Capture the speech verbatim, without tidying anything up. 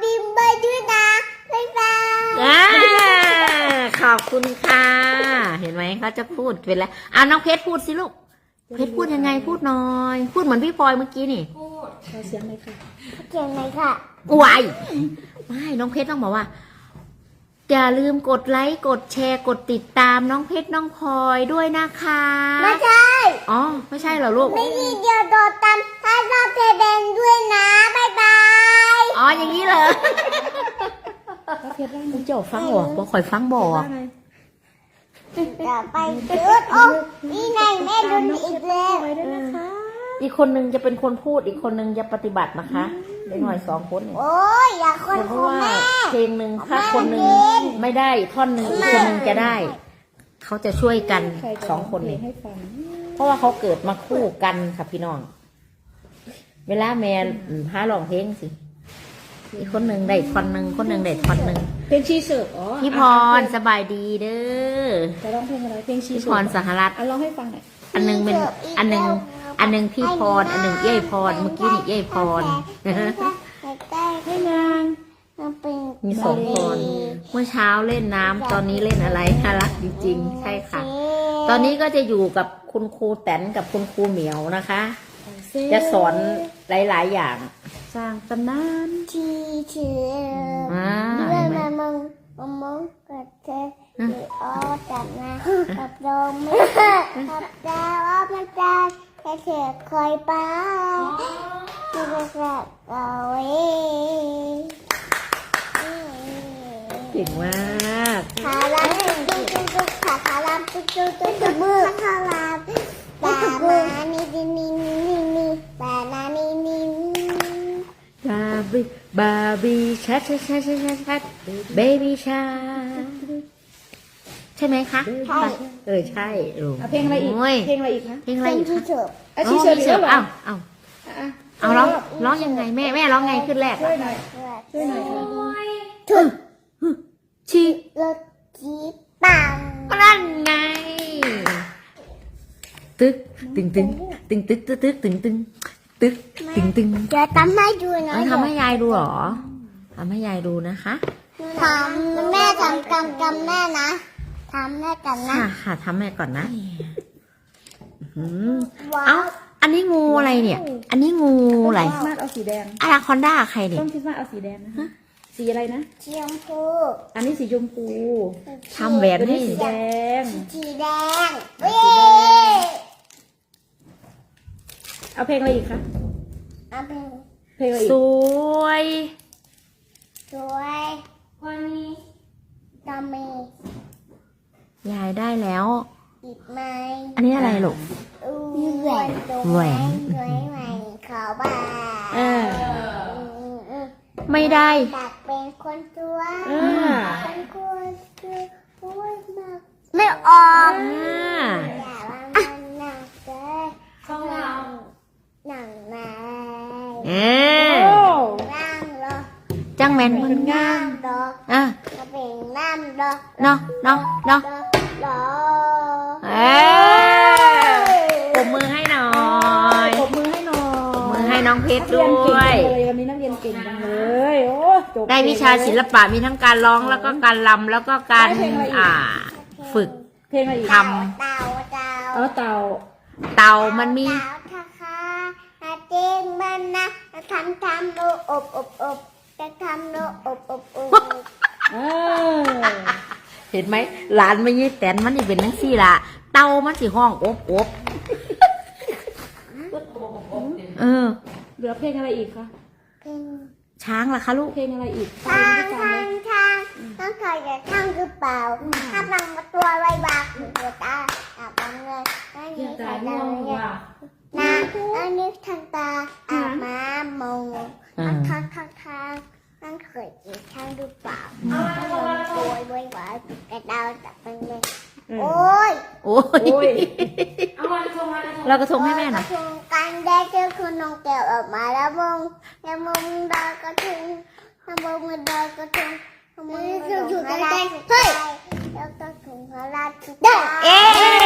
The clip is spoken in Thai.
บิมไปด้วยนะบ๊ายบายขอบคุณค่ะ เห็นไหมเขาจะพูดเป็นแล้วอ่ะน้องเพชรพูดสิลูกเพชรพูดยังไงพูดหน่อยพูดเหมือนพี่พลอยเมื่อกี้นี่พูดเสียงเลยค่ะเก่งไหมค่ะวายไม่น้องเพชรต้องบอกว่าอย่าลืมกดไลค์กดแชร์กดติดตามน้องเพชรน้องพลอยด้วยนะคะไม่ใช่อ๋อไม่ใช่เหรอลูกไม่มีเดียวโดดตามถ้าชอบเทเบนด้วยนะบ๊ายบายอ๋ออย่างนี้เลยเพชรได้ไหมเจ้าฟังบอกบอกคอยฟังบอกอย่าไปจุดโอ้นี่ไงแม่ดุนอีกแล้วไปด้วยนะคะอีกคนนึงจะเป็นคนพูดอีกคนนึงจะปฏิบัตินะคะเด็กหน่อยสองคนเนี่ยโอ้ยอย่าคนเพขราะองว่าแม่เพลงหนึ่งถ้าคนหนึ่งไม่ได้ท่อนหนึ่งอีกคนหนึ่งจะได้ เขาจะช่วยกันสองคนเพลเนี่งยให้ฟังเพราะว่าเขาเกิดมาคู่กันค่ะพี่น้อง เวลาแม่พาร้องเพลงสิอีกคนหนึ่งได้ท่อนหนึ่งคนหนึ่งได้ท่อนหนึ่งเพลงชีเสิร์ฟอ๋อพี่พรสบายดีเด้อจะร้องเพลงอะไรเพลงชีพี่เสิพร์ฟรสหรัฐอ่ะร้องให้ฟังหน่อยอันหนึงเป็นอันหนึงอันหนึงพี่พรอันหนึงเย้ยพรเมื่อกี้นี่เย้ยพรให้นางมีสองพรเมื่อเช้าเล่นน้ำตอนนี้เล่นอะไรน่ารักจริงๆใช่ค่ะ ตอนนี้ก็จะอยู่กับคุณครูแตนกับคุณครูเหมียวนะคะ จะสอนหลายๆอย่างสร้างตำนานที่เชื่ออ่าเรื่เห็องนไหมมามึงมามึงกับเธอหรืออ้อจับนะกับโดมไม่กับดาวอ้อมันจะแค่เธอคอยไปจะไปกับเอาไว้เก่งมากขาลามตุ๊กตุ๊กตุ๊กขาขาลามตุ๊กตุ๊กตุ๊กตุ๊กมือขาลามบามานี่นี่นี่นี่นี่บานานี่นี่บาร์บี้บาร์บี้ชัดชัดชัดชัดชัดชัดเบบี้ชาใช่ไหมคะใช่เออใช่เออเอาเพลงอะไรอีกโยเพลงอะไรอีกคะเพลงอะไรเป็นอีกที่คะเสิร์ฟอ่ะชีเสิร์ฟอีกแล้วเหรอเอ้าเอ้าอ่ะเอาร้องร้องยังไงแม่แม่ร้องไงขึ้นแรกช่วยหน่อยช่วยหน่อยค่ะถูกชีรถจีปังนั่นไงตึกตึงตึงตึงตึกตึกตึกตึงตึงตึกตึงตึงจะทำให้ดูนะเอาทำให้ยายดูเหรอทำให้ยายดูนะคะทำแม่ทำกำกำแม่นะทำแม่กันนะค่ะค่ะทำให้ก่อนนะอืมเอ้าอันนี้งูอะไรเนี่ย อันนี้งูอะไรคริสต์มาสเอาสีแดงอาราคอนด้าใครเนี่ยต้นคริสต์มาสเอาสีแดงนะสีอะไรนะเชียงพูอันนี้สีชมพูทำแหวนตัวให้นี้สีแดงสีแดงเว้สีแดยเอาเพลงอะไรอีกคะเอาเป็นเพลงอะไรอีสกวยสวยวันนี้ตามียายได้แล้วอีกไหมอันนี้อะไรลูกอู้แหวนตัวแหวนสวยใหม่ขาวบ้าเออไม่ได้ตักเป็นคนตัวอ่าเป็นคนตัวพูดมากไม่ออกอ่าอย่าว่ามันหนักเลยของเราหนังไหนเออโอ้นั่งรอจังแมนมันนั่งรออ่ะจะเป็นนั่งรอเนาะเนาะเนาะรอเออปรบมือให้หน่อยปรบมือให้หน่อยมือให้น้องเพชรนักด้เรียนเก่งวยจังเลยวันนี้นักเรียนเก่งจังเลยโอ้จบได้วิชาศิลปะมีทั้งการร้องแล้วก็การรำแล้วก็การอ่า ฝึกเพลงอะไรอีกทเต่าเต่าเอาเต่าเต่ามันมีเต่าทาคาเจงมันนะทำทำโลอบอบอบจะทำโลอบอบอบเออเห็นไหมหลานไม่ยี่แตนมันนี่เป็นนังซี่ล่ะเต่ามันสิห้องอบอบเออเหลือเพลงอะไรอีกคะเป็นช้างล่ะคะลูกเพลงอะไรอีกทางทางทางต้องเคยจะทำหรือเปล่าถ้าบังมาตัวไว้บากหัวตาอาบังเลยไม่มีใครดังเนี่ยนะอันนี้ทางตาอาบมามองทางทางทางทางนั่นเคยจะทำหรือเปล่าโวยโวยวายกระดาวจับมันเลยโอ้ยโอ้ยโอ้ยเรากระทงให้แม่หน่อยกระทงกันได้เจอคุณน้องแก้วออกมาแล้วมงแล้วมงดาวกระทงแล้วมงมือดาวกระทงแล้วมืออยู่อยู่ใกล้ๆเฮ้ยแล้วกระทงพระราชทานเอ๊